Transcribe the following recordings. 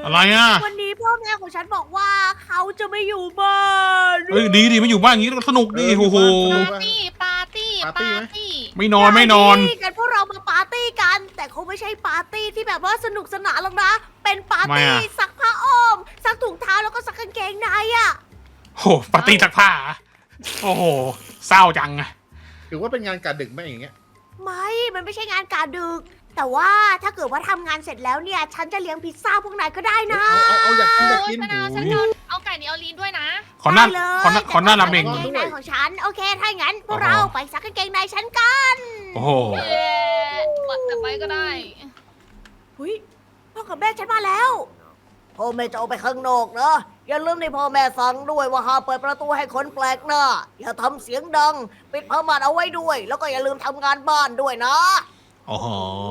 อะไรอ่ะวันนี้พ่อแม่ของฉันบอกว่าเขาจะไม่อยู่บ้านเฮ้ยดีดิไม่อยู่บ้านอย่างนี้สนุกดีโอ้โหปาร์ตี้ปาร์ตี้ปาร์ตี้ไม่นอนไม่นอนกันพวกเรามาปาร์ตี้กัน แต่คงไม่ใช่ปาร์ตี้ที่แบบว่าสนุกสนานหรอกนะ เป็นปาร์ตี้ซักผ้าอ้อมซักถุงเท้าแล้วก็ซักกางเกงในอ่ะโอ้โหปาร์ตี้ซักผ้าอะโอ้โหเศร้าจังอะถือว่าเป็นงานการดึกไหมอย่างเงี้ยไม่มันไม่ใช่งานการดึก แต่ว่าถ้าเกิดว่าทำงานเสร็จแล้วเนี่ย ฉันจะเลี้ยงพิซซ่าพวกนายก็ได้นะเอาอยากกินอยากโอ้ยกินฉันเอาไก่นี่เอาลีนด้วยนะขอหน้าได้เลยขอหน้าราเมงแต่ว่ากางเกงในของฉัน โอเค ถ้าอย่างนั้นพวกโอ้โหเราไปซักกางเกงในฉันกันโอ้โหเอ๊ะแต่ไปก็ได้หุยพ่อกับแม่ฉันมาแล้วพ่อแม่จะออกไปข้างนอกนะอย่าลืมในพ่อแม่สั่งด้วยว่าห้ามเปิดประตูให้คนแปลกหน้า อย่าทำเสียงดัง ปิดผ้าม่านเอาไว้ด้วย แล้วก็อย่าลืมทำงานบ้านด้วยนะโอ้โห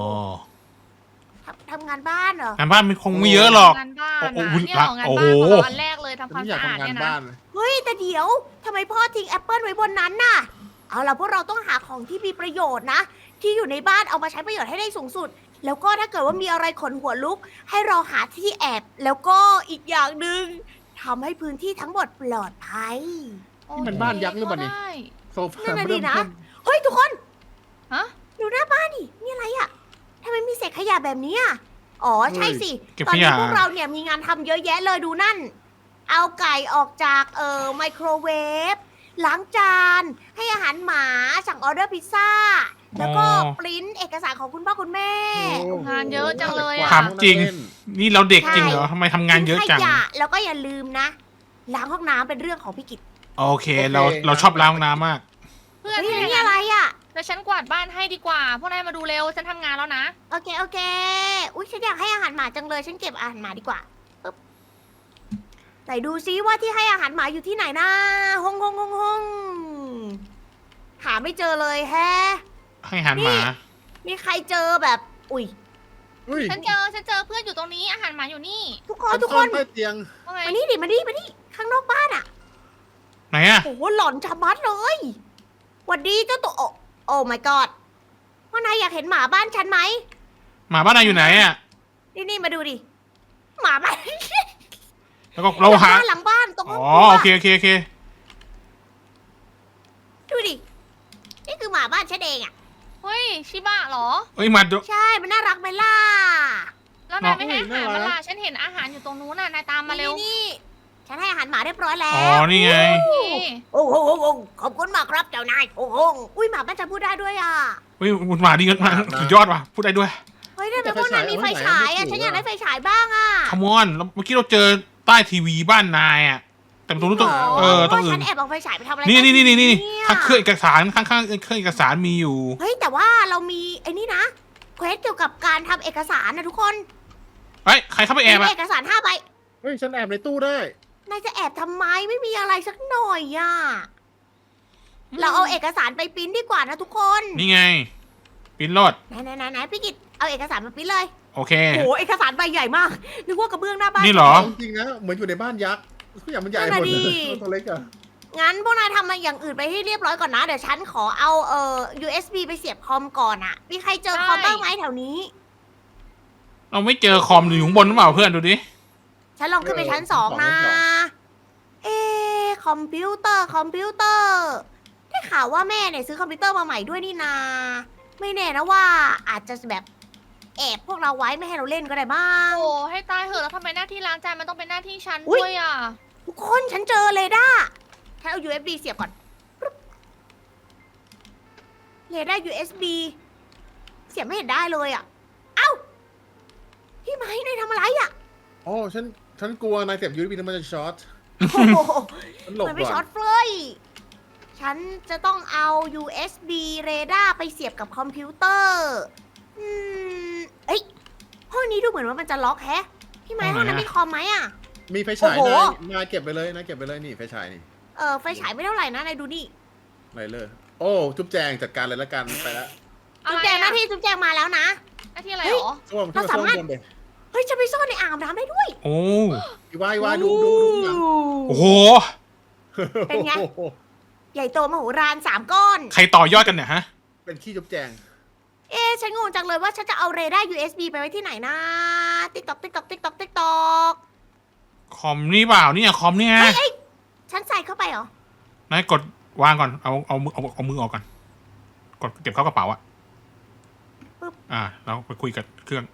ทำงานบ้านเหรองานบ้านมันคงไม่เยอะหรอกงานบ้านโอ้อะโหเนี่ยเหรองานโอ้บ้าโหนของอันแรกเลยทำคฉัวาน มไม่อยากสะอาดทำงานเนี่ยนะบ้านเลยเฮ้ยแต่เดี๋ยวทำไมพ่อทิ้งแอปเปิลไว้บนนั้นน่ะ เอาล่ะพวกเราต้องหาของที่มีประโยชน์นะ ที่อยู่ในบ้านเอามาใช้ประโยชน์ให้ได้สูงสุด แล้วก็ถ้าเกิดว่ามีอะไรขนหัวลุก ให้เราหาที่แอบ แล้วก็อีกอย่างหนึ่งทำให้พื้นที่ทั้งหมดปลอดภัยนี่มันบ้านยักษ์หรือเปล่านี่ได้โซฟานั่นน่ะดิเริ่มนะเพิ่มเฮ้ยทุกคนฮะดูหน้าบ้านดินี่อะไรอะทำไมมีเศษขยะแบบนี้อะอ๋อใช่สิเก็บตอนขนี้ยะพวกเราเนี่ยมีงานทำเยอะแยะเลยดูนั่น เอาไก่ออกจากไมโครเวฟล้างจาน ให้อาหารหมาสั่งออเดอร์พิซซ่า แล้วก็ปริ้นเอกสารของคุณพ่อคุณแม่งานเยอะจังเลยอะถามจริง นี่เราเด็กจริงเหรอทำไมทำงานเยอะจังทิ้ขยะแล้วก็อย่าลืมนะ ล้างห้องน้ำเป็นเรื่องของพี่กิตโอเคเราชอบล้างห้องน้ำมากเพื่อนเฮ้ยที่นี่อะไรอ่ะเดี๋ยวฉันกวาดบ้านให้ดีกว่า พวกนายมาดูเร็ว ฉันทำงานแล้วนะโอเค โอเค อุ๊ย ฉันอยากให้อาหารหมาจังเลย ฉันเก็บอาหารหมาดีกว่าปึ๊บไหนดูซิว่าที่ให้อาหารหมาอยู่ที่ไหนนะห้องหาไม่เจอเลยแฮะให้อาหารหมามีใครเจอแบบ อุ๊ยอุ้ยฉันเจอเพื่อนอยู่ตรงนี้ อาหารหมาอยู่นี่ทุกคนทุกคนใต้เตียงว่าไงมานี่ดิมานี่ข้างนอกบ้านอ่ะไหนอะโอ้โหหลอนชะมัดเลยหวัดดีเจ้าตัวโอ้ my god ว่านายอยากเห็นหมาบ้านฉันไหมหมาบ้านนายอยู่ไหนอะนี่มาดูดิ หมาบ้านแล้วก็เราหาหลังบ้านตรงห้อ๋องอครัวโอเคดูดิ นี่คือหมาบ้านฉันเองอ่ะเฮ้ย ชิบะเหรอเอ้ยมาดูใช่ มันน่ารักไหมล่ะแล้วนายไม่ให้อาหารมันล่ะ ฉันเห็นอาหารอยู่ตรงนู้นน่ะ นายตามมาเร็วนี่ฉันให้อาหารหมาเรียบร้อยแล้อ๋อวนี่ไงนี่โอ้โหขอบคุณมากครับเจ้านาย โอ้โหอุ้ยหมาบ้านฉันพูดได้ด้วยอ่ะเฮ้ยหมาดีกันมากสุดยอดว่ะพูดได้ด้วยเฮ้ยทำไมพวกนายมีไฟฉายอ่ะ ฉันอยากได้ไฟฉายบ้างอ่ะคมอนเมื่อกี้เราเจอใต้ทีวีบ้านนายอะแต่ตรงนู้นตรงตรงอื่ฉันนแอบเอาไฟฉายไปทำอะไรนี่กันี่เยข้างเครื่องเอกสารข้างเครื่องเอกสารมีอยู่เฮ้ยแต่ว่าเรามีไอ้นี่นะเควสเกี่ยวกับการทำเอกสารนะทุกคนเฮ้ยใครเข้าไปแอบมีอะเอกสาร5 ใบเฮ้ยฉันแอบในตู้ได้นายจะแอบทำไมไม่มีอะไรสักหน่อยอ่ะ เราเอาเอกสารไปปริ้นดีกว่านะทุกคนนี่ไงปิ้นรถไหนพี่กิตเอาเอกสารมาปริ้นเลยโอเคโอ้โหเอกสารใบใหญ่มาก นึกว่ากระเบื้องหน้าบ้านนี่เหรอจริงๆนะเหมือนอยู่ในบ้านยักษ์ทุกอย่างมันใหญ่หมดนั่นเลน่ะยดิตัวเล็กอะงั้นพวกนายทำมาอย่างอื่นไปให้เรียบร้อยก่อนนะ เดี๋ยวฉันขอเอาUSB ไปเสียบคอมก่อนอะมีใครเจอคอมบ้างไหมแถวนี้เราไม่เจอคอมอยู่ข้างบนหรือเปล่าเพื่อนดูดิฉันลองขึ้นไปชั้น2นะ คอมพิวเตอร์ได้ข่าวว่าแม่เนี่ยซื้อคอมพิวเตอร์มาใหม่ด้วยนี่นา ไม่แน่นะว่าอาจจะแบบแอบพวกเราไว้ไม่ให้เราเล่นก็ได้บ้างโอ้ให้ตายเหอะแล้วทำไมหน้าที่ล้างจานมันต้องเป็นหน้าที่ฉันอุ๊ยด้วยอ่ะทุกคนฉันเจอเรดาร์ฉันเอา USB เสียบก่อนเรดาร์ USB เสียบไม่เห็นได้เลยอ่ะ เอ้า พี่ไม้นายทำอะไรอ่ะอ๋อฉันกลัวนายเสียบยูบีแล้วมันจะช็อตโอ้โหฉันหลบมันไม่ก่ช็ออน ตเฟยฉันจะต้องเอา USB เรดาร์ไปเสียบกับคอมพิวเตอร์ เอ้ย ห้องนี้ดูเหมือนว่ามันจะล็อกแฮะ พี่ไม้ห้องนั้นมีคอมไหมอ่ะมีไฟฉายโอ้โหนายเก็บไปเลยนี่ไฟฉายนี่ไฟฉายไม่เท่าไหร่นะนายดูนี่ไหนเลยโอ้จุ๊บแจงจัดการเลยละกันไปแล้วจุ๊บแจงหน้าที่จุ๊บแจงมาแล้วนะหน้าที่อะไรเหรอส้วมเราสามารถส้วมบนเลยเฮ้ยจะไปซ่อนในอ่างน้ำได้ด้วยโอ้วายดูหนังโอ้โหเป็นไง ใหญ่โตมโหฬาร3 ก้อนใครต่อยอดกันเนี่ยฮะเป็นขี้จุ๊บแจงฉันงงจังเลยว่าฉันจะเอาเรดาร์ USB ไปไว้ที่ไหนนะติ๊กตอกติ๊กตอกติ๊กตอกติ๊กตอกคอมนี่เปล่าเนี่ยคอมเนี่ยฉันใส่เข้าไปเหรอนายกดวางก่อนเอามือออกก่อนกดเก็บเข้ากระเป๋าอะแล้วไปคุยกับเครื่อง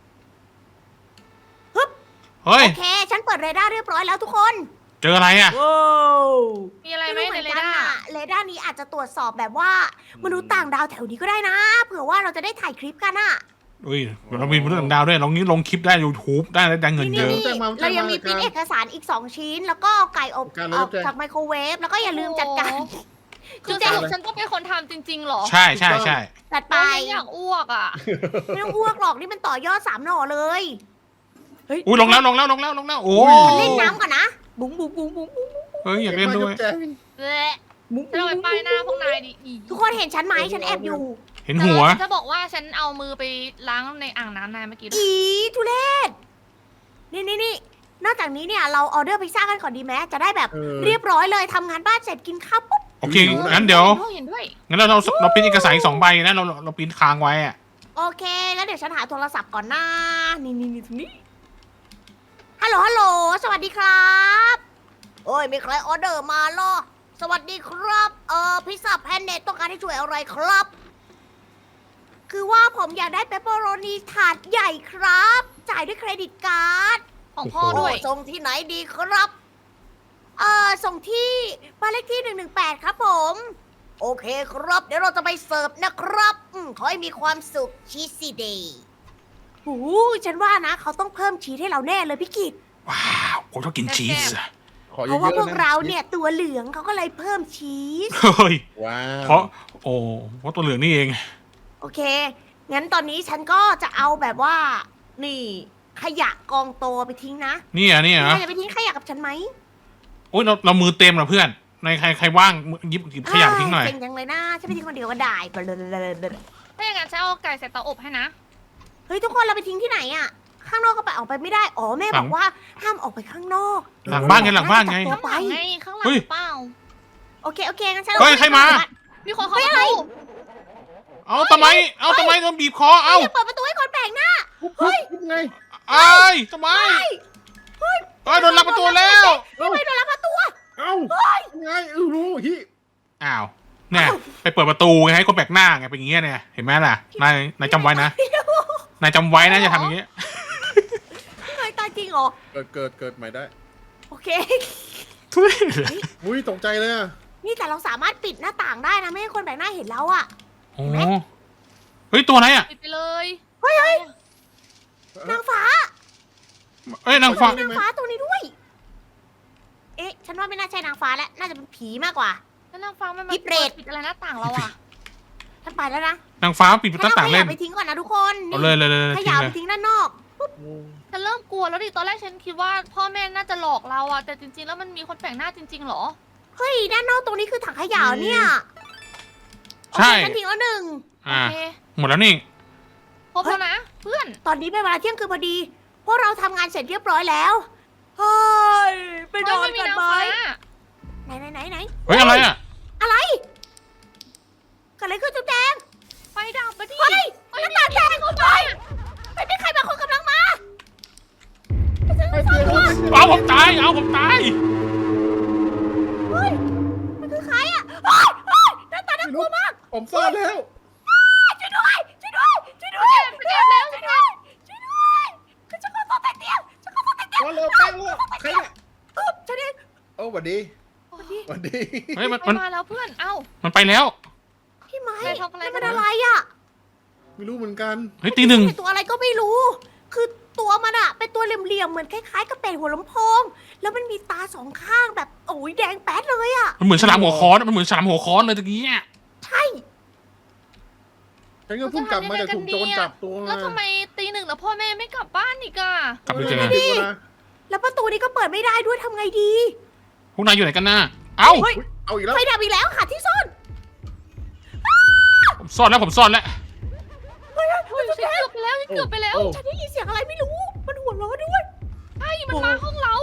เฮ้ยโอเค ฉันเปิดเรดาร์เรียบร้อยแล้วทุกคนเจออะไรอะว้าวมีอะไรไหมในเรกัดาร์เรดาร์นี้อาจจะตรวจสอบแบบว่ามนุษย์ต่างดาวแถวนี้ก็ได้นะ เผื่อว่าเราจะได้ถ่ายคลิปกันอะอุ้ยเรามีเรื่องดาวด้วยลงคลิปได้ YouTube ได้เงินเยอะนี่เรายังมีพิมพ์เอกสารอีก 2 ชิ้น แล้วก็ไก่อบออกจากไมโครเวฟแล้วก็อย่าลืมจัดการคือสรุปฉันต้องเป็นคนทำจริงๆเหรอใช่จัดไปไปอยากอ้วกอ่ะไม่ต้องอ้วกหรอกนี่มันต่อยอด3 หน่อเลยอุ้ยลงแล้วโอ้เล่นน้ำก่อนนะ บุ๋งบุ๋งบุ๋งบุ๋งบุ๋งเฮ้ยอยากเล่นด้วยจุ๊บแจงเละบุ๋งฉันเอาไปป้ายหน้าพวกนายดิอีทุกคนเห็นฉันไหมฉันแอบอยู่เห็นหัวจะบอกว่าฉันเอามือไปล้างในอ่างน้ำนายเมื่อกี้ด้วยอีทุเรศนี่นอกจากนี้เนี่ยเราออเดอร์พิซซ่ากันก่อนดีไหมจะได้แบบเรียบร้อยเลยทำงานบ้านเสร็จกินข้าวปุ๊บโอเคงั้นเดี๋ยวเห็นด้วยงั้นเราปริ้นเอกสารอีก2 ใบนะเราปริ้นค้างไว้อะโอเคงั้นเดี๋ยวฉันหาโทรศัพท์ก่อนนะนี่ตรงนี้ฮัลโหลสวัสดีครับโอ้ยมีใครออเดอร์มาเหรอสวัสดีครับพิซซ่าแพนเนตต้องการให้ช่วยอะไรครับ คือว่าผมอยากได้เปปเปอโรนีถาดใหญ่ครับ จ่ายด้วยเครดิตการ์ดของพ่อด้วยส่งที่ไหนดีครับส่งที่บ้านเลขที่118ครับผม โอเคครับ เดี๋ยวเราจะไปเสิร์ฟนะครับขอให้มีความสุขชีสซี่เดย์โอ้ฉันว่านะ เขาต้องเพิ่มชีสให้เราแน่เลยพี่กิตว้าวผมชอบกินชีสอะขอเยเพราะว่าอะพๆวกนะเราเนี่ยตัวเหลืองเขาก็เลยเพิ่มชีสเฮ้ยว้าวเพราะตัวเหลืองนี่เองโอเค งั้นตอนนี้ฉันก็จะเอาแบบว่า นี่ ขยะกองโตไปทิ้งนะนี่อ่ะนายจะไปทิ้งขยะกับฉันไหมโอ้ยเรามือเต็มเหรอเพื่อนในใครว่างหยิบขยะไปทิ้งหน่อยเจ๋งจังเลยนะฉันไปทิ้งคนเดียวก็ได้ถ้าอย่างนั้นฉันเอาไก่ใส่เตาอบให้นะเฮ้ยทุกคนเราไปทิ้งที่ไหนอะข้างนอกก็ไปออกไปไม่ได้ อ๋อแม่บอกว่าห้ามออกไปข้างนอกหลังบ้านไงข้างหลังไปข้างหลังไงข้างหลังเปล่าโอเคงั้นฉันเฮ้ยใครมามีคนเข้าประตูเอาทำไมโดนบีบคอเอาอย่าเปิดประตูให้คนแปลกหน้าเฮ้ยไงไอ้ทำไมโดนลักประตูแล้วไม่โดนรับประตูเอ้าไงรู้ฮิอ้าวเนี่ยไปเปิดประตูไงให้คนแปลกหน้าไงเป็นอย่างเงี้ยเนี่ยเห็นไหมล่ะนายจำไว้นะนายจำไว้นะอย่าทำอย่างเงี้ยเคยตายจริงเหรอเกิดใหม่ได้โอเคทุเรศอุ้ยตกใจเลยอะนี่แต่เราสามารถปิดหน้าต่างได้นะไม่ให้คนแปลกหน้าเห็นเราอะโอ้เฮ้ยตัวอะไรอ่ะปิดไปเลยนางฟ้าเอ้ยนางฟ้านางฟ้าตัวนี้ด้วย เอ๊ะ ฉันว่าไม่น่าใช่นางฟ้าแล้ว น่าจะเป็นผีมากกว่าแล้วนางฟ้ามันมาพี่เปรตปิดอะไรหน้าต่างเราอ่ะฉันไปแล้วนะนางฟ้าปิดประตูต่างขเล่ยะนไปทิ้งก่อนนะทุกคนเอาเลยขทิ้ยะงไปเลยทิ้งด้านนอกฉันเริ่มกลัวแล้วดิตอนแรกฉันคิดว่าพ่อแม่น่าจะหลอกเราอ่ะแต่จริงๆแล้วมันมีคนแปลกหน้าจริงๆเหรอเฮ้ย ด้านนอกตรงนี้คือถังขยะเหรอเนี่ยใช่โอเคฉันทิ้งแล้วหนึ่งโออ่าเคหมดแล้วนี่ครบแล้วนะเพื่อนตอนนี้เป็นเวลาเที่ยงคืนพอดี พวกเราทำงานเสร็จเรียบร้อยแล้ว เฮ้ย ไปนอนไม่มีกันนางไหมฟ้าไหนเฮ้ยอะไรอ่ะอะไรเกิดอะไรขึ้นจุ๊บแดงไฟดับไปดิเฮ้ยหน้าต่างแตกเข้าไปไม่มีใครบางคนกำลังมาให้เปลี่ยนเอาผมตายเฮ้ยมันคือใครอ่ะเฮ้ยหน้าตาน่ากลัวมากผมซ่อนแล้วช่วยด้วยช่วยด้วยคือฉันขอตัวแตกเตียงฉันขอตัวแตกเตียงมาเลยแป้งเลยใครเนี่ยฉันเองโอ้หวัดดีวันนี้หวัดดีเฮ้ยมันมาแล้วเพื่อนเอ้ามันไปแล้วพี่ไม้ใครทำอะไรมันกัเป็นนอะไรอ่ะไม่รู้เหมือนกันเฮ้ยตีหนึ่งตัวอะไรก็ไม่รู้ คือตัวมันอะเป็นตัวเหลี่ยมๆเหมือนคล้ายๆกับเป็ดหัวลำโพง แล้วมันมีตาสองข้างแบบโอ้ยแดงแป๊ดเลยอะมันเหมือนฉลามหัวค้อนมันเหมือนฉลามหัวค้อนเลยตะกี้อ่ะใช่ฉันก็เพิ่งกลับมาจากถูกโจรจับตัวมาแล้วทำไมตีหนึ่งแล้วพ่อแม่ไม่กลับบ้านอีกอ่ะกลับไปเจอดึกแล้วนะแล้วประตูนี้ก็เปิดไม่ได้ด้วยทำไงดีพวกนายอยู่ไหนกันน่ะเอ้าเฮ้ยอุ๊ยเอาอีกแล้วไฟดับอีกแล้วหาที่ซ่อนผมซ่อนแล้วเฮ้ยเฮ้ยฉันเกือบไปแล้วฉันเกือบไปแล้วโอ้ฉันได้ยินเสียงอะไรไม่รู้ มันหัวเราะด้วยใช่มันมาห้องเรา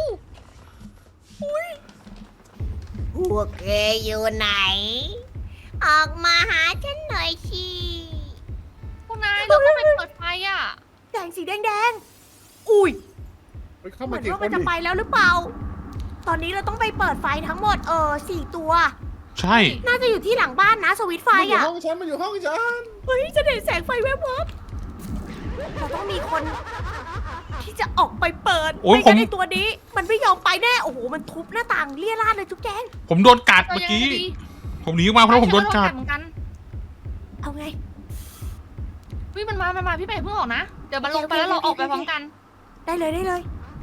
พวกแกอยู่ไหน ออกมาหาฉันหน่อยสิพวกนายเราต้องไปเปิดไฟอ่ะแสงสีแดงอุ้ยเฮ้ยเข้าเหมามือนกี่ว่าคมันนจะดิไปแล้วหรือเปล่า ตอนนี้เราต้องไปเปิดไฟทั้งหมด4 ตัวใช่น่าจะอยู่ที่หลังบ้านนะสวิตช์ไฟมันอยู่อ่ะห้องฉันมันอยู่ห้องฉันเฮ้ยจะเห็นแสงไฟแวบๆเราต้องมีคนที่จะออกไปเปิดโอ้ยไม่ผมงั้นไอตัวนี้ มันไม่ยอมไปแน่โอ้โหมันทุบหน้าต่างเลี่ยราดเลยจุ๊บแจงผมโดนกัดเราเมื่อยังกี้ดีผมหนีออกมาเพราะผมโดนกัดเหมือนกันเอาไงวิมันมาพี่เป้เพิ่งออกนะ เดี๋ยวมันลงไปแล้วเราออกไปพร้อมกันได้เลยได้เลย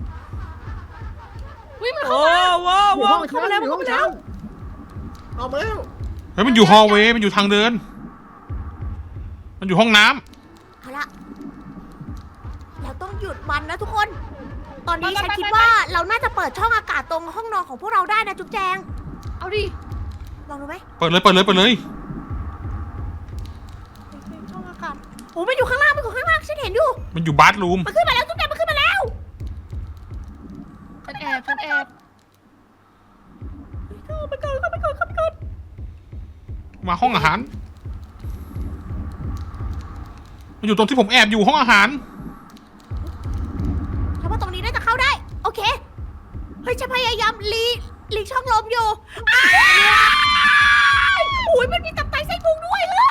วิมันเข้ามาอยู่ห้องฉัเข้าน มาแล้วอยู่ห้เข้าองมาฉัแล้วนเอามาแล้วเฮ้ยมันอยู่ฮอลเวย์มันอยู่ทางเดิน มันอยู่ห้องน้ำเอาละเราต้องหยุดมันนะทุกคน ตอนนี้ฉันคิดว่าเราน่าจะเปิดช่องอากาศตรงห้องนอนของพวกเราได้นะจุ๊บแจงเอาดิลองดูไหมเปิดเลยเปิดเลยเปิดเลยช่องอากาศโอ้มันอยู่ข้างล่างมันอยู่ข้างล่างฉันเห็นอยู่มันอยู่บาร์รูมมันขึ้นมาแล้วจุ๊บแจงมันขึ้นมาแล้วฉันแอบฉันแอบเข้าไปก่อนเข้าไปก่อนเข้าไปก่อนมาห้องอาหาร มันอยู่ตรงที่ผมแอบอยู่ห้องอาหารฉันว่าตรงนี้น่าจะเข้าได้ โอเค เฮ้ยฉันพยายามหลีช่องลมอยู่อ้ายอุ้ยมันมีตับไตไส้พุงด้วยเลย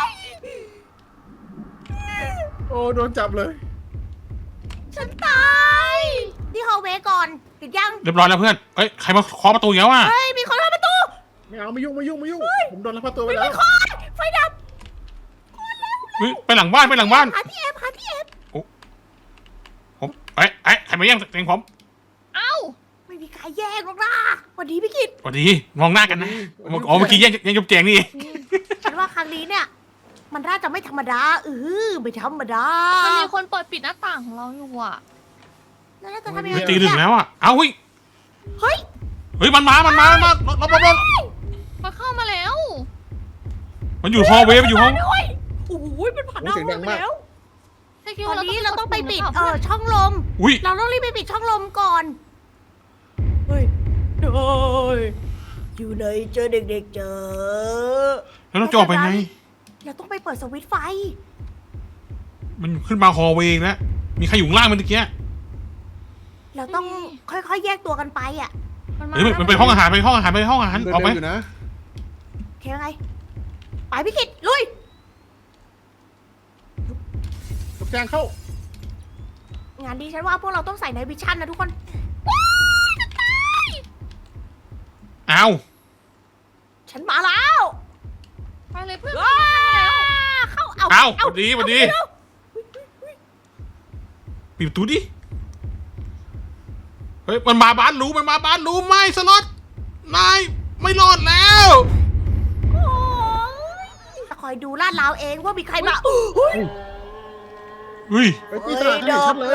โอ้โดนจับเลยฉันตายที่ฮอลเวย์ก่อนปิดยังเรียบร้อยแล้วเพื่อน เอ้ยใครมาเคาะประตูอีกแล้วอ่ะเฮ้ยมีคนเข้าประตูไม่เอาไม่ยุ่งไม่ยุ่งไม่ยุ่งผมโดนลักพาตัวไปไม่แล้ไม่วคอยไฟดับเฮ้ยไปหลังบ้านไปหลังบ้านหาที่แอบหาที่แอบผมเอ้ยใครมาแย่งเตียงผมเอ้าไม่มีใครแย่งหรอกนะสวัสดีพี่กิตสวัสดีมองหน้ากันนะอ๋อเมื่อกี้แย่งจุ๊บแจงนี่เองฉันว่าครั้งนี้เนี่ย มันน่าจะไม่ธรรมดาไม่ธรรมดามันมีคนเปิดปิดหน้าต่างของเราอยู่อ่ะแล้วเราจะทำยังไงมันตีหนึ่งแล้วอ่ะ เอ้าเฮ้ยเฮ้ยเฮ้ยมันมารถมันเข้ามาแล้วมันอยู่ฮอลเวย์มันอยู่ห้องด้วยโอ้โหมันผ่านหน้าห้องไปแล้วใช่คิดตอว่านนี้เราต้องไปปิดหรือเปล่าช่องลมอุ้ยเราต้องรีบไปปิดช่องลมก่อน เฮ้ยโดยอยู่ไหนเจอเด็กๆเจอแล้วเราจะออกไปไงเราต้องไปเปิดสวิตช์ไฟมันขึ้นมาฮอลเวย์อีกแล้ว มีใครอยู่ข้างล่างมันเมื่อกี้เราต้องค่อยๆแยกตัวกันไปอ่ะมันมาเฮ้ยมันไปห้องอาหารไปห้องอาหารไปห้องอาหารเดินออกไปเร็วอยู่นะโอเคไง ไปพี่กิตลุยจุบแจงเข้างานนี้ฉันว่าพวกเราต้องใส่ในวิชั่นนะทุกคนเอาฉันมาแล้วไปเลยเพื่อนว้าเข้าเอาเอาสวัสดีสวัสดีเอาปิดประตูดิ เฮ้ยมันมาบ้านรู้ไม่สล็อตนายไม่รอดแล้วโอ้ยจะคอยดูลาดราวเองว่ามีใครมาเฮ้ยเฮ้ยไปปีศาจให้เห็นชัดเลย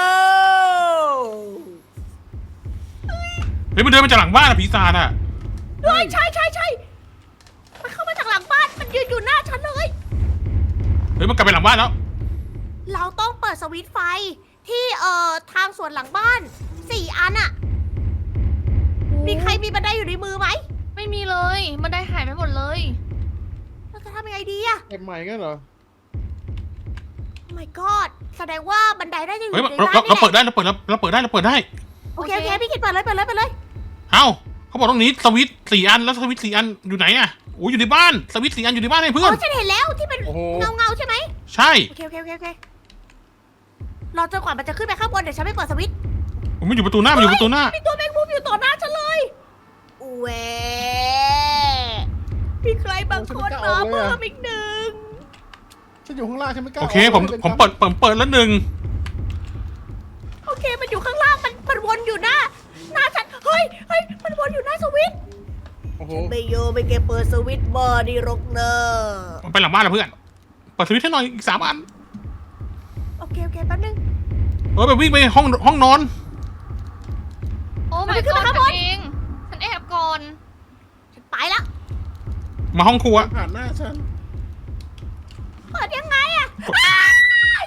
เฮ้ยมันเดินมาจากหลังบ้านอะผีศาจอะเฮ้ยใช่มันเข้ามาจากหลังบ้าน มันยืนอยู่หน้าฉันเลยเฮ้ยมันกลับไปหลังบ้านแล้วเราต้องเปิดสวิตช์ไฟที่ทางสวนหลังบ้าน 4 อันอะมีใครมีบันไดอยู่ในมือไหมไม่มีเลยมันได้หายไปหมดเลยเราจะทำยังไงดีอะเก็บใหม่งั้นเหรอ my god แสดงว่าบันไดได้จะอยู่เฮ้ยในบ้านเรานี่เปิดแหละได้เราเปิดได้โอเคพี่กิตเปิดเลยเอ้าเขาบอกตรงนี้สวิตช์4 อันแล้วสวิตช์4 อันอยู่ไหนอะโอ้ยอยู่ในบ้านสวิตช์4 อันอยู่ในบ้านไอ้อ๋เพื่อนอฉันเห็นแล้วที่เป็นโอ้โหเงาใช่ไหมใช่โอเครอจนกว่ามันจะขึ้นไปข้างบนเดี๋ยวฉันไม่เปิดสวิตช์ผมมันอยู่ประตูหน้ามันอยู่ประตูหน้ามีตัวแมงมุมอยู่ต่อหน้าฉันเลยเว้มีใครบางคนมาเพิ่มอีกหนึ่งฉันอยู่ข้างล่างฉันไม่กล้าโอเคกผมเปิดแล้วหนึ่งโอเคมันอยู่ข้างล่างมันวนอยู่หน้าฉันเฮ้ยมันวนอยู่หน้าสวิตช์โอ้โหไม่โยไม่แกเปิดสวิตช์บอร์ดีรกเนอมันไปหลังบ้านแล้วเพื่อนเปิดสวิตช์ให้หน่อยอีก3 อันโอเคแป๊บนึงไปวิ่งไปห้องนอนโอ้มัน my ไปขึ้น god มาข้างบนฉันเองฉันแอบก่อนฉันไปละมาห้องครัวผ่านหน้าฉันเปิดยังไงอะอ้าย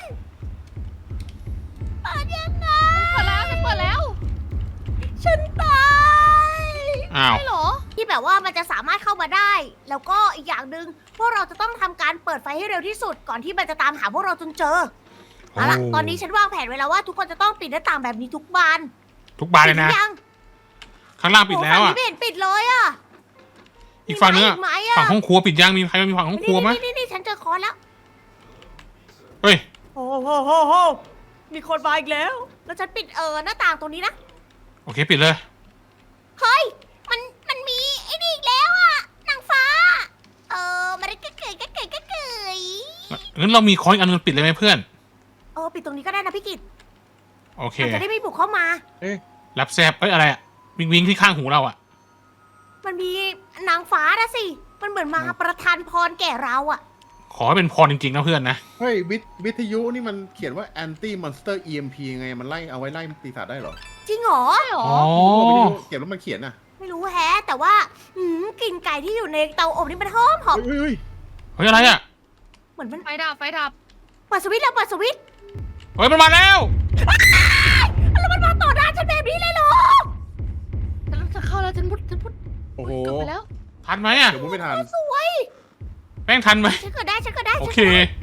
เปิดยังไงเปิดแล้วฉันเปิดแล้วฉันตายอ้าวใช่เหรอที่แบบว่ามันจะสามารถเข้ามาได้ แล้วก็อีกอย่างหนึ่งพวกเราจะต้องทำการเปิดไฟให้เร็วที่สุดก่อนที่มันจะตามหาพวกเราจนเจอเอาล่ะตอนนี้ฉันวางแผนไว้แล้วว่าทุกคนจะต้องปิดหน้าต่างแบบนี้ทุกบานทุกบานเลยนะปิดหรือยังข้างล่างปิดแล้วโอ้อ่ะฝั่งนี้ไม่เห็นปิดเลยอ่ะอีกฝั่งนึงมีอะไหมอะฝั่งห้องครัวปิดยังมีใครมีฝั่งห้องครัวไหมนี่ฉันเจอคอนแล้วเฮ้ยโอ้โหมีคนมาอีกแล้ว แล้วฉันปิดหน้าต่างตรงนี้นะโอเคปิดเลยเฮ้ย มันมีไอ้นี่อีกแล้วอะนางฟ้า มันก็เกยงั้นเรามีค้อนอีกอันนึงปิดเลยไหมเพื่อนปิดตรงนี้ก็ได้นะพี่กิตโอเคมันจะได้ไม่บุกเข้ามารับแซบอะไรอะวิงวิงที่ข้างหูเราอะมันมีนางฟ้านะสิ มันเหมือนมาประทานพรแก่เราอะขอให้เป็นพรจริงๆนะเพื่อนนะเฮ้ยวิทยุนี่มันเขียนว่า anti monster EMP ไงมันไล่เอาไว้ไล่ปีศาจได้เหรอจริงเหรอใช่หรออ๋อวิทยุเขียนว่ามันเขียนน่ะไม่รู้แฮะ แต่ว่ากลิ่นไก่ที่อยู่ในเตาอบนี่มันหอมเฮ้ยเฮ้ยอะไรอะเหมือนมันไฟดับไฟดับเปิดสวิตช์แล้วเปิดสวิตช์เฮ้ยมันมาแล้วแล้วมันมาต่อหน้าฉันแบบนี้เลยเหรอฉันจะเข้าแล้วฉันพุดโอ้โหเกือบไปแล้วทันไหมอะเดี๋ยวมุดไม่ทันสวยแป้งทันไหมฉันเกิดได้โอเค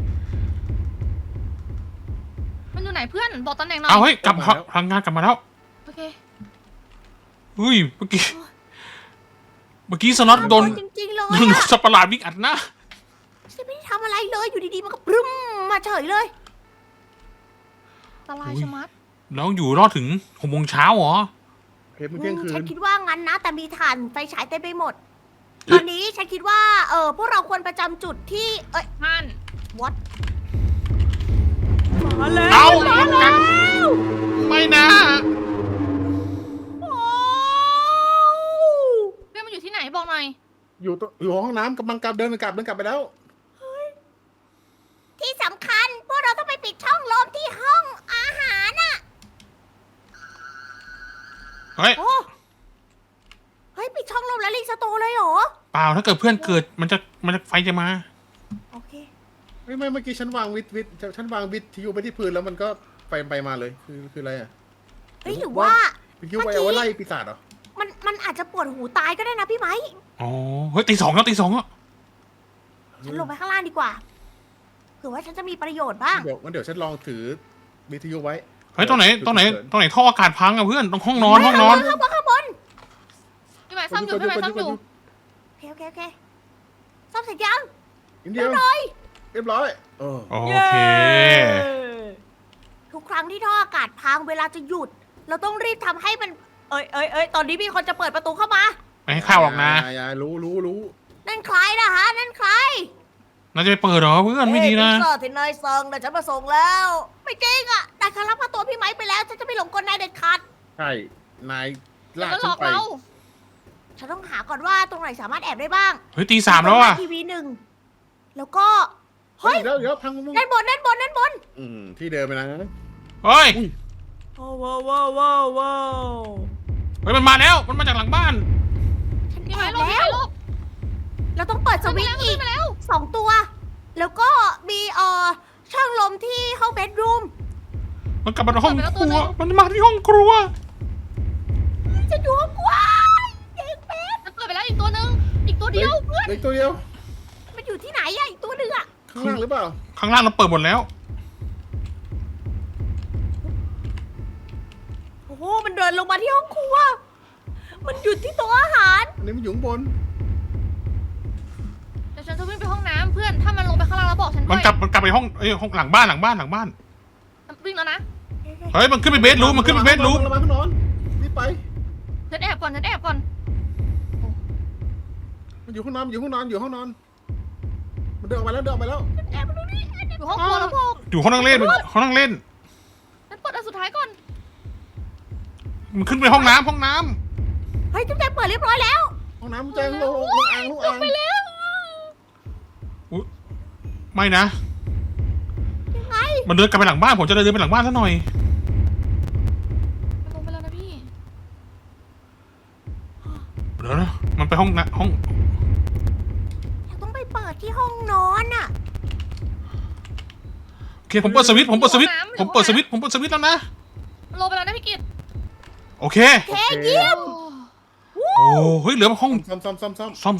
มันอยู่ไหนเพื่อนบอกตำแหน่งหน่อยเอาเฮ้ยกลับมาพลังงานกลับมาแล้วโอเคเฮ้ยเมื่อกี้สล็อตโดนจริงๆเลยโดนอะสัตว์ประหลาดวิ่งอัดหน้าฉันไม่ได้ทำอะไรเลย อยู่ดีๆ มันก็ปรึ้มมาเฉยเลยตลายชะมัดแล้วอยู่รอดถึง6 โมงเช้าเหรอเทปมันเที่ยงคืฉันนคิดว่างั้นนะ แต่มีถ่านไฟฉายเต็มไปหมด ตอนนี้ฉันคิดว่า พวกเราควรประจำจุดที่มัน what มาแล้วเอามาแล้วไม่นะโอ้เพื่อนมันอยู่ที่ไหนบอกหน่อยอยู่ห้องน้ำกำลังกลับเดินกลับไปแล้วที่สำคัญ พวกเราต้องไปปิดช่องลมที่ห้องอาหารน่ะเฮ้ยโอ้เฮ้ย ปิดช่องลมแล้วรีสโตร์เลยเหรอเปล่าถ้าเกิดเพื่อนเกิดมันจะไฟจะมาโอเคไม่เมื่อกี้ฉันวางฉันวางวิทยุไปที่พื้นแล้วมันก็ไปมาเลยคืออะไรอ่ะเฮ้ยหรือว่าวิทยุไปเอาไว้ไล่ปีศาจเหรอมันอาจจะปวดหูตายก็ได้นะพี่ไหมอ๋อ เฮ้ยตี 2แล้วตี 2แล้วฉันลงไปข้างล่างดีกว่า เผื่อว่าฉันจะมีประโยชน์บ้างเดี๋ยวฉันลองถือวิทยุไว้เฮ้ยตรงไหนท่ออากาศพังอะเพื่อนตรงห้องนอนข้างบนพี่หมายซ่อมอยู่พี่หมายซ่อมอยู่โอเคซ่อมเสร็จยังนิดเดียวเรียบร้อยโอเคทุกครั้งที่ท่ออากาศพังเวลาจะหยุด เราต้องรีบทำให้มัน เอ้ยตอนนี้มีคนจะเปิดประตูเข้ามาไม่ให้เข้าหรอกนะอย่ารู้นั่นใครนะฮะ นั่นใครน่าจะไปเปิดเหรอเพื่อนไม่ดีนะพิซซ่าที่นายสั่งนะฉันมาส่งแล้ว ไม่จริงอ่ะนายคารับพาตัวพี่ไม้ไปแล้ว ฉันจะไม่หลงกลนายเด็ดขาดใช่ นายลากมันหลฉันอกไปเราฉันต้องหาก่อนว่าตรงไหนสามารถแอบได้บ้างเฮ้ยตี 3แล้วอะทีวี1 แล้วก็เฮ้เฮ้ยยเดี๋ยวพังมุ้งด้านบนที่เดิมไปนะเฮ้ยว้าวเฮ้ยมันมาแล้วมันมาจากหลังบ้านฉันพี่แอหมายบลบพี่แล้หมายว ลบเราต้องเปิดสวิตช์อีกขึ้นไปแล้ว 2 ตัว แล้วก็มีช่องลมที่ห้องเบดรูมมันกลับมาห้องครัวมันมาที่ห้องครัวจะดูห้องกว้างเด็กเป็ดมันเปิดไปแล้วอีกตัวนึงอีกตัวเดียวเพื่อนเล็กตัวเดียวมันอยู่ที่ไหนอะอีกตัวหนึ่งอะข้างล่างหรือเปล่าข้างล่างเราเปิดหมดแล้วโอ้โหมันเดินลงมาที่ห้องครัว มันหยุดที่โต๊ะอาหารอันนี้มันอยู่ข้างบนเดี๋ยวฉันจะวิ่งไปห้องน้ำเพื่อนถ้ามันลงไปข้างล่างแล้วบอกฉันด้มันวยกลับไปห้องห้องหลังบ้านวิ่งแล้วนะเฮ้ยมันขึ้นไปเบดรูมมันขึ้นไปเบดรูมระวังข้างนอนรีบไปฉันแอบก่อนฉันแอบก่อนมันอยู่ห้องนอนอยู่ห้องนอนมันเดินออกไปแล้วแอบมาดูนี่อยู่ห้องครัวแล้วพวกอยู่ห้องนั่งเล่นห้องนั่งเล่นฉันเปิดอันสุดท้ายก่อนมันขึ้นไปห้องน้ำเฮ้ยจุ๊บแจงเปิดเรียบร้อยแล้วห้องน้ำแจ้งลงอ่างไปแล้วไม่นะยังไงมันเดินกลับไปหลังบ้านผมจะเดินไปหลังบ้านซะหน่อยมันลงไปแล้วนะพี่เดี๋ยวนะมันไปห้องนะห้องเราต้องไปเปิดที่ห้องนอนอะโอเคผมเปิดสวิตช์แล้วนะมันลงไปแล้วนะพี่กิตโอเคเฮ้ยเยี่ยมโอ้เฮ้ยเหลือห้องซ่อมซ่อม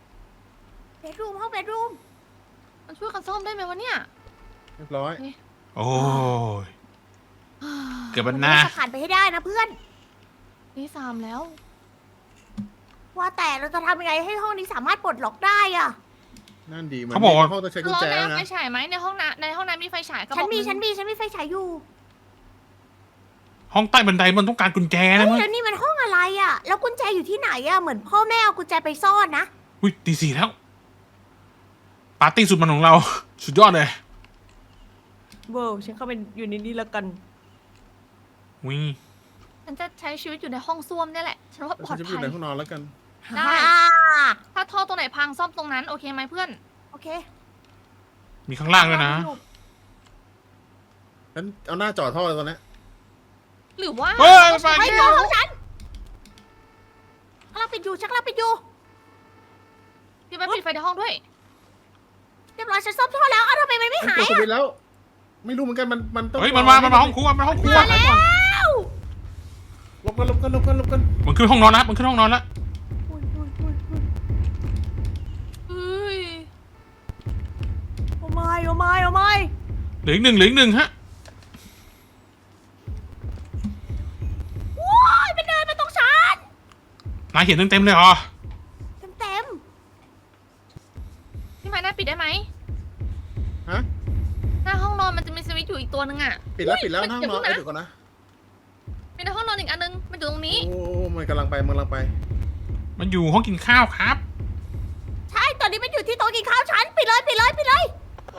เบดรูมห้องเบดรูมมันช่วยกันซ่อมได้ไหมวะเนี่ยเรียบร้อยโอ้ยเกือบบันนาเราจะผ่านไปให้ได้นะเพื่อนนี่3แล้วว่าแต่เราจะทำยังไงให้ห้องนี้สามารถปลดล็อกได้อะนั่นดีมันเขาบอกว่าห้องต้องใช้กุญร้อนแจแล้วนะไฟฉายไหมในห้องน้ำมีไฟฉายกระบฉัอน กมีหงฉันมีไฟฉายอยู่ห้องใต้บันไดมันต้องการกุญแจเฮ้นะยมั้งแล้วนี่มันห้องอะไรอะแล้วกุญแจอยู่ที่ไหนอะเหมือนพ่อแม่เอากุญแจไปซ่อนนะอุ้ยตีสี่แล้ว ปาร์ตี้สุดมันของเรา สุดยอดเลยเว้าวฉันเข้าไปอยู่ในนี้แล้วกันวิฉันจะใช้ชีวิตอยู่ในห้องส้วมเนี่ยแหละ ฉันว่าปลอฉัดนจะอยู่ภัยในห้องนอนแล้วกันได้ ถ้าท่อตรงไหนพังซ่อมตรงนั้นโอเคไหมเพื่อนโอเคมีข้างล่างด้วยนะฉันเอาหน้าจอดท่อเลยตอนนี้หรือว่าเฮ้ยเราไปใช้ไอ้เตัวของฉันชักเราปิดอยู่ชักเราปิดอยู่พี่ไปปิดไฟในห้องด้วยเรียบร้อยฉันซ่อมท่อแล้วอ้าวทำไมมันไม่ฉันหาก ยดสอะวิตช์แล้ว ไม่รู้เหมือนกันมันต้องเฮ้ยมันมาห้องครัวมันห้องครัวมาแล้วหลบกันหลบกันหลบกันหลบกันมันขึ้นห้องนอนแล้วมันขึ้นห้องนอนแล้วอุ๊ยอุ๊ยอุ๊ยอุ๊ยเฮ้ยโอ้ไม่โอ้ไม่โอ้ไม่เหลืออีกหนึ่งฮะว้ายมันเดินมาตรงฉันนายเห็นเต็มเลยเหรอเต็มพี่ไม้หน้าปิดได้ไหมฮะหน้าห้องนอนมันจะมีสวิตช์อยู่อีกตัวนึงอ่ะปิดแล้วปิดแล้วเฮ้ยห้องนอนเดี๋ยวเดี๋ยวก่อนนะมีในห้องนอนอีกอันนึงมันอยู่ตรงนี้โอ้มันกำลังไปมันกำลังไปมันอยู่ห้องกินข้าวครับใช่ตอนนี้มันอยู่ที่โต๊ะกินข้าวฉันปิดเลยปิดเลยปิดเลย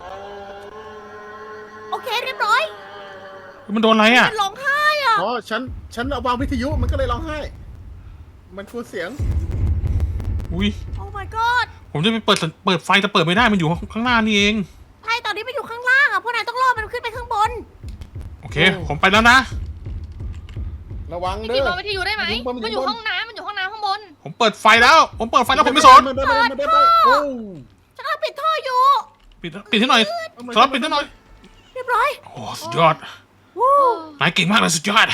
โอเคเรียบร้อยมันโดนอะไรอ่ะมันร้องไห้อ่ะอ๋อฉันเอาวางวิทยุมันก็เลยร้องไห้ มันกลัวเสียงอุ้ยโอ้ my god ผมจะไปเปิดไฟแต่เปิดไม่ได้มันอยู่ข้างหน้านี่เองใช่ตอนนี้มันอยู่ข้างล่างอ่ะพวกนายต้องรอมันขึ้นไปข้างบนโอเค ผมไปแล้วนะระวังพี่เด้กินอมองวิทยุได้ไหมมันอยู่บนมันอยู่ห้องน้ำมันอยู่ห้องน้ำข้างบนผมเปิดไฟแล้ว ผมเปิดไฟแล้วผมไม่สนมันเดินไปมันเดินไปโอ้ฉันกำลังปิดท่ออยู่ปิดให้หน่อยสล็อตปิดให้หน่อยเรียบร้อยโอ้สุดยอดวู้นายเก่งมากเลยสุดยอด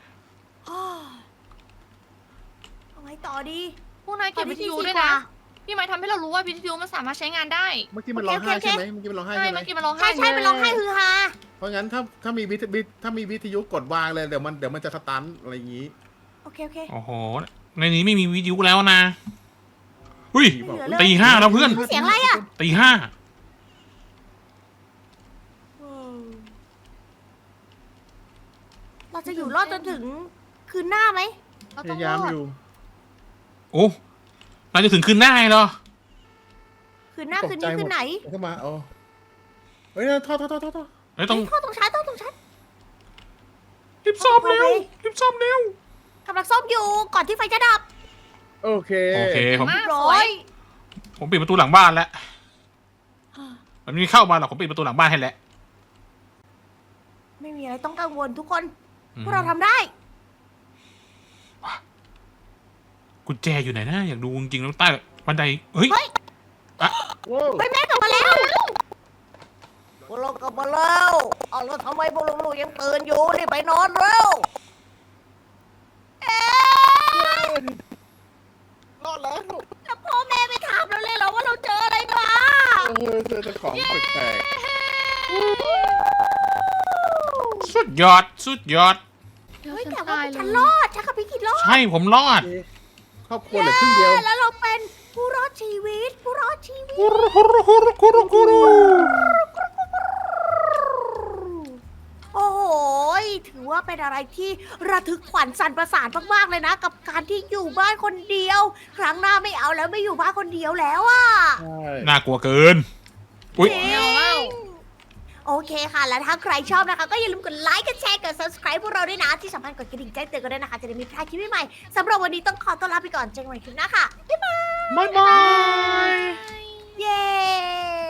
เอาไงต่อดีพวกนายเก็บวิทยุด้วยนะ พี่ไม้ทำให้เรารู้ว่าวิทยุมันสามารถใช้งานได้เมื่อกี้มันร้องไห้ใช่ไหมเมื่อกี้มันร้องไห้ใช่ใช่ไหมเมื่อกี้มันร้องไห้ใช่ใช่มันร้องไห้ฮือฮาเพราะงั้นถ้ามีวิทยุกดวางเลยเดี๋ยวมันจะสตันอะไรอย่างงี้โอเคโอเคโอ้โห ในนี้ไม่มีวิทยุแล้วนะอุ้ยไม่เหลือเลยตีห้าแล้วเพื่อนเสียงอะไรอ่ะตีห้าเราจะอยู่รอดจนถึงคืนหน้าไหมเราพต้องยายาร มอดอยู่โอ้เราจะถึงคืนหน้าเหรอคืนหน้าคืนนี้คืนไหนเข้ามาเอาเฮ้ยท่อเฮ้ยต้องเข้าตรงชั้นต้องตรงชั้นรีบซ่อมเร็วรีบซ่อมเร็วกำลังซ่อมอยู่ก่อนที่ไฟจะดับโอเคโอเคผมมากร้สอวยยผมปิดประตูหลังบ้านแล้วมันไม่เข้ามาหรอกผมปิดประตูหลังบ้านให้แล้วไม่มีอะไรต้องกังวลทุกคนอืมพวกเราทำได้กุญแจอยู่ไหนนะอยากดูจริงๆแล้วใต้บันไดเฮ้ยเฮ้ยว้าวเฮ้ยแม่กลับมาแล้วพวกเรากลับมาแล้วเอาแล้วทำไมพวกลูกๆยังตื่นอยู่รีบไปนอนเร็วเอ๊ะรอดแล้วแล้วพ่อแม่ไปถามเราเลยเหรอว่าเราเจออะไรมาเจอของแปลกสุดยอดสุดยอดเดี๋ยวเฮ้ยฉันแต่ว่าตายเลฉันยรอดฉันกับพี่กิดรอดใช่ผมรอดๆครอบครัวเหลือครึ่งเดียวแล้วเราเป็นผู้รอดชีวิตผู้รอดชีวิตกุรุกุรุกุรุกุรุกุรุโอ้โหถือว่าเป็นอะไรที่ระทึกขวัญสั่นประสาทมากๆเลยนะ กับการที่อยู่บ้านคนเดียว ครั้งหน้าไม่เอาแล้วไม่อยู่บ้านคนเดียวแล้วอ่ะใช่น่ากลัวเกินอุ้ยจริงโอเคค่ะ แล้วถ้าใครชอบนะคะ ก็อย่าลืมกดไลค์กดแชร์กด subscribe พวกเราด้วยนะ ที่สำคัญกดกระดิ่งแจ้งเตือนกันด้วยนะคะ จะได้ไมีพลาดคลิปใหม่ๆสำหรับวันนี้ต้องขอต้อนรับไปก่อนเจอกันใหม่คลิปหน้าค่ะ บ๊ายบายบ๊ายบายเย้